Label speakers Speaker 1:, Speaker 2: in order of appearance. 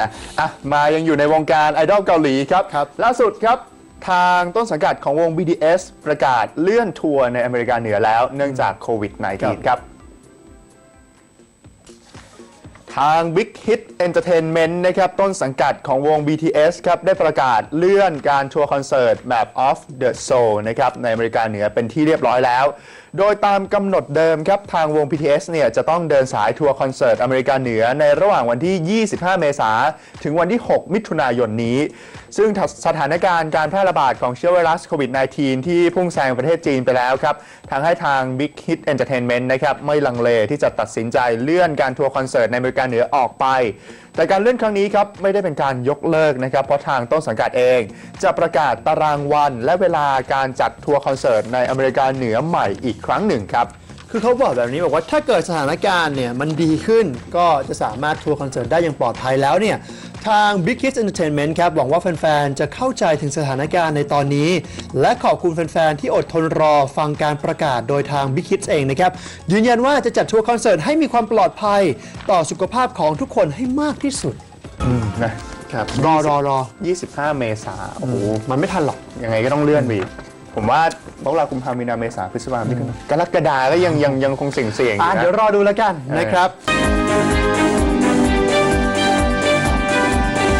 Speaker 1: มายังอยู่ในวงการไอดอลเกาหลีครับล่าสุดครับทางต้นสังกัดของวง BTS ประกาศเลื่อนทัวร์ในอเมริกาเหนือแล้วเนื่องจากโควิด -19 ครับทาง Big Hit Entertainment นะครับต้นสังกัดของวง BTS ครับได้ประกาศเลื่อนการทัวร์คอนเสิร์ตแบบ Off the Soul นะครับในอเมริกาเหนือเป็นที่เรียบร้อยแล้วโดยตามกำหนดเดิมครับทางวง BTS เนี่ยจะต้องเดินสายทัวร์คอนเสิร์ตอเมริกาเหนือในระหว่างวันที่ 25 เมษายนถึงวันที่ 6 มิถุนายนนี้ซึ่งสถานการณ์การแพร่ระบาดของเชื้อไวรัสโควิด -19 ที่พุ่งแซงประเทศจีนไปแล้วครับทางให้ทาง Big Hit Entertainment นะครับไม่ลังเลที่จะตัดสินใจเลื่อนการทัวร์คอนเสิร์ตในอเมริกาเหนือออกไปแต่การเลื่อนครั้งนี้ครับไม่ได้เป็นการยกเลิกนะครับเพราะทางต้นสังกัดเองจะประกาศตารางวันและเวลาการจัดทัวร์คอนเสิร์ตในอเมริกาเหนือใหม่อีกครั้งหนึ่งครับ
Speaker 2: คือเขาบอกแบบนี้บอกว่าถ้าเกิดสถานการณ์เนี่ยมันดีขึ้นก็จะสามารถทัวร์คอนเสิร์ตได้อย่างปลอดภัยแล้วเนี่ยทาง Big Hit Entertainment ครับหวังว่าแฟนๆจะเข้าใจถึงสถานการณ์ในตอนนี้และขอบคุณแฟนๆที่อดทนรอฟังการประกาศโดยทาง Big Hit เองนะครับยืนยันว่าจะจัดทัวร์คอนเสิร์ตให้มีความปลอดภัยต่อสุขภาพของทุกคนให้มากที่สุด
Speaker 1: นะครับ
Speaker 2: รอ
Speaker 1: 25 เมษายนโอ้โห
Speaker 2: มันไม่ทันหรอก
Speaker 1: ยังไงก็ต้องเลื่อนไปผมว่ามกราคมมีนาเมษาพฤษภาคมกรกฎาก็ยังคงเสี่ยง
Speaker 2: เดี๋ยวรอดูแล้วกันนะครับ